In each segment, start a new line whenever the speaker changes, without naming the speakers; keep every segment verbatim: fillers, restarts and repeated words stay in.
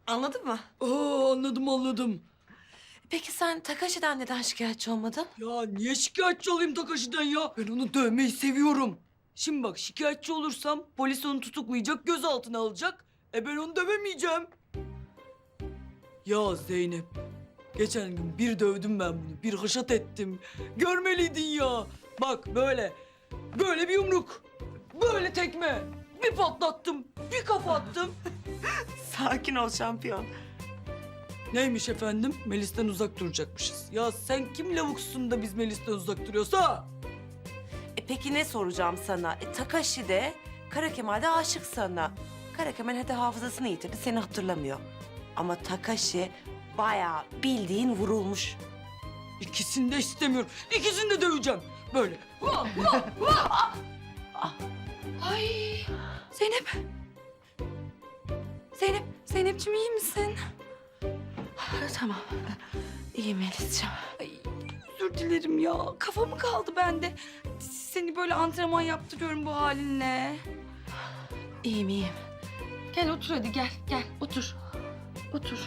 Anladın mı?
Aa, anladım anladım.
Peki sen Takashi'den neden şikayetçi olmadın?
Ya niye şikayetçi olayım Takashi'den ya? Ben onu dövmeyi seviyorum. Şimdi bak şikayetçi olursam polis onu tutuklayacak, gözaltına alacak. E ben onu dövemeyeceğim. Ya Zeynep, geçen gün bir dövdüm ben bunu, bir haşat ettim. Görmeliydin ya. Bak böyle, böyle bir yumruk, böyle tekme. Bir patlattım, bir kafa attım.
Sakin ol şampiyon.
Neymiş efendim? Melis'ten uzak duracakmışız. Ya sen kim lavuksun da biz Melis'ten uzak duruyoruz ha?
E peki ne soracağım sana? E, Takashi de Kara Kemal de aşık sana. Kara Kemal hadi hafızasını yitirdi, seni hatırlamıyor. Ama Takashi bayağı bildiğin vurulmuş.
İkisini de istemiyorum. İkisini de döveceğim. Böyle.
Ay Zeynep. Zeynep, Zeynepciğim iyi misin? Tamam. İyiyim Melis'ciğim. Ay, özür dilerim ya. Kafa mı kaldı bende? Seni böyle antrenman yaptırıyorum bu halinle. İyiyim, iyiyim. Gel otur hadi gel, gel otur. Otur.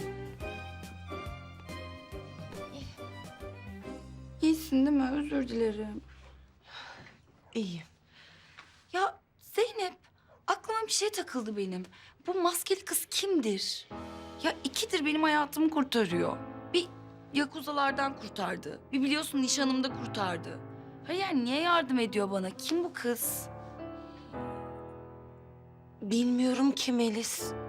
İyisin değil mi? Özür dilerim.
İyiyim.
Ya Zeynep, aklıma bir şey takıldı benim. Bu maskeli kız kimdir? Ya ikidir benim hayatımı kurtarıyor. Bir yakuzalardan kurtardı. Bir biliyorsun nişanımda kurtardı. Hayır yani niye yardım ediyor bana? Kim bu kız?
Bilmiyorum ki Melis.